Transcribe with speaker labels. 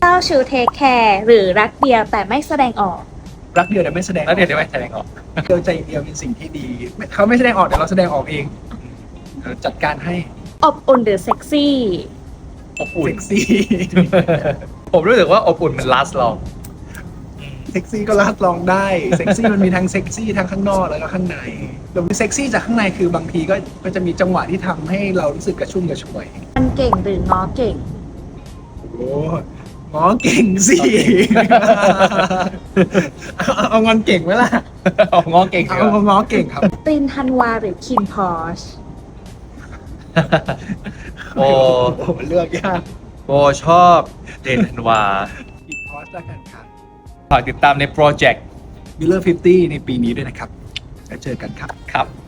Speaker 1: เจ้าชู้เทคแคร์หรือรักเดียวแต่ไม่แสดงออก
Speaker 2: รักเดียวแต่ไม่แสดงอ
Speaker 3: แล้
Speaker 2: อ
Speaker 3: ว
Speaker 2: ก
Speaker 3: เดี๋ยวไม่แสดงออก
Speaker 2: เดียวใจเดียวเป็นสิ่งที่ดีเขาไม่แสดงออกเดี๋ยวเราแสดงออกเองจัดการให้
Speaker 1: อบอุ่นหรือเซ็กซี่
Speaker 3: อบอุ่น
Speaker 2: เซ็กซี่
Speaker 3: ผมรู้สึกว่าอบอุ่นมัน last long
Speaker 2: เซ็กซี่ก็ลาดลองได้เซ็กซี่มันมีทั้งเซ็กซี่ทั้งข้างนอกแล้วก็ข้างในแต่เซ็กซี่จากข้างในคือบางทีก็จะมีจังหวะที่ทำให้เรารู้สึกกระชุ่มกระชวย
Speaker 1: มันเก่งหรือง้อเก่ง
Speaker 2: โอ้ง้อเก่งสิ เอางอนเก่งไหมล่ะ
Speaker 3: เอาง้อเก่งเหร
Speaker 2: เอา
Speaker 3: อ
Speaker 2: ง้อเก่งครับ
Speaker 1: ตินธันวาหรือคิมพอช
Speaker 3: โอ้
Speaker 2: ผมเลือกยาก
Speaker 3: โบชอบเดนธันวา
Speaker 2: อีกคอร์สแล้วกันครับ
Speaker 3: ฝากติดตามในโปรเจกต์
Speaker 2: มิลเลอร์50ในปีนี้ด้วยนะครับแล้วเจอกันครับ
Speaker 3: ครับ